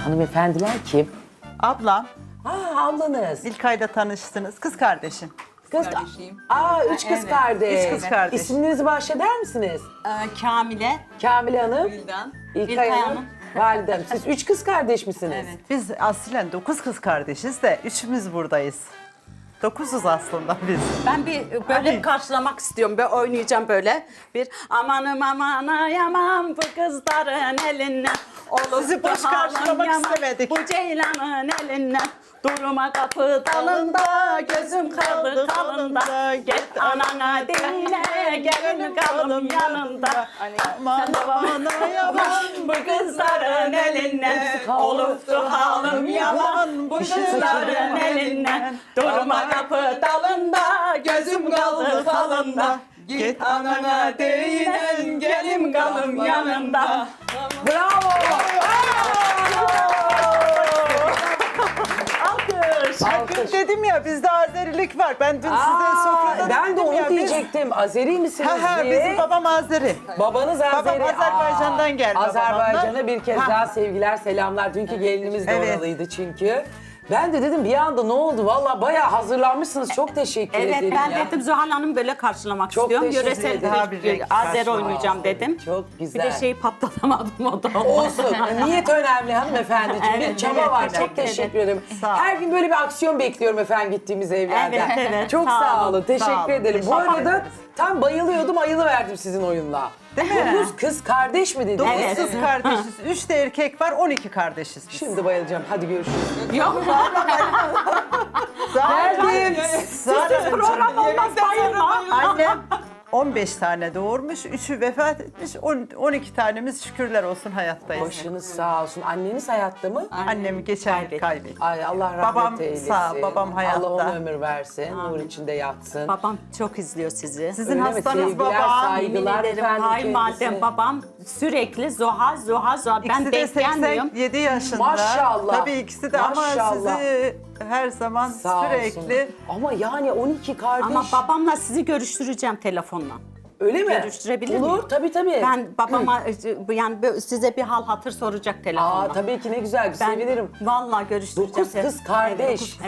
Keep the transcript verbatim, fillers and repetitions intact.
Hanımefendiler kim? Ablam, Aa ablanız. İlkay'la tanıştınız. Kız kardeşim. Kız Kardeşiyim. Aa üç kız Evet, kardeş. üç kız kardeş. İsminizi bahşeder misiniz? Ee, Kamile, Kamile Hanım, Gülden, İlkay İlkay Hanım, Hanım. Valide Hanım. Siz üç kız kardeş misiniz? Evet. Biz aslen dokuz kız kardeşiz de üçümüz buradayız. Dokuzuz aslında biz. Ben bir böyle Hadi. karşılamak istiyorum. Ben oynayacağım böyle. Bir amanım aman yaman bu kızların elinden. Olup Sizi da boş halam karşılamak yaman istemedik. Bu ceylanın elinden. Durma kapı dalında, gözüm kaldı kalında. Git anana dinle, gelin kalım yanında. Aman aman yaman Bu kızların elinden, olup da halim yaman. Bu kızların elinden, durma kapı dalında, gözüm kaldı kalında. Git anana değinen, gelim kalım yanında. Bravo! Alkış. Alkış. Dedim ya bizde Azerilik var. Ben dün size Aa, sofrada ben de dedim onu ya, biz- diyecektim. Azeri misiniz Ha ha diye. bizim babam Azeri. Babanız Babam Azeri. Azerbaycan'dan gelme Azerbaycan'a babamlar. bir kez Ha. daha sevgiler, selamlar. Dünkü gelinimiz de Evet. oralıydı çünkü. Ben de dedim bir anda ne oldu? Valla bayağı hazırlanmışsınız. Çok teşekkür Evet ederim ben ya. dedim Zuhal Hanım böyle karşılamak Çok istiyorum. teşekkür Yöresel ederim. Daha bir bir renk Azer karşılama. oynayacağım dedim. Çok Bir güzel. de şeyi patlatamadım o da. Olsun. Niyet önemli hanımefendiciğim. bir Evet, çaba evet, var. evet, Çok evet. teşekkür ederim. Sağ ol. Her gün böyle bir aksiyon bekliyorum efendim gittiğimiz evlerden. Evet, evet. Çok Sağ sağ olun. olun. Teşekkür Sağ olun. ederim. Bu Teşekkür arada ederiz. tam bayılıyordum, ayılıverdim sizin oyunla. Değil mi? Dokuz kız kardeş mi dediniz? Dokuz Evet. kız kardeşiz. Üç de erkek var, on iki kardeşiz biz. Şimdi bayılacağım. Hadi görüşürüz. Yok Geldim. Zaten program olmaz bayılma. annem on beş tane doğurmuş, üçü vefat etmiş, on- on iki tanemiz şükürler olsun hayattayız. Başınız sağ olsun. Anneniz hayatta mı? Annemi geçen yıl kaybettim. Ay Allah rahmet Babam eylesin. sağ, babam hayatta. Allah ona ömür versin. Nur içinde yatsın. Babam çok izliyor sizi. Sizin Öyle mi? hastanız Sevgiler, babam. saygılar. Yemin ederim efendim kayınvalidem kendisi. babam sürekli Zuhal Zuhal Zuhal. Ben İkisi de denk gelmiyorum. seksen yedi yaşında. Maşallah. Tabii ikisi de Maşallah. ama sizi her zaman Sağ sürekli... olsun. Ama yani on iki kardeş. Ama babamla sizi görüştüreceğim telefonla. Öyle mi? Görüştürebilir Olur miyim? tabii tabii. Ben babama e, yani böyle size bir hal hatır soracak telefonla. Aa tabii ki ne güzel Ben sevinirim. vallahi görüştüreceğim. Dokuz kız kardeş. Evet, dokuz-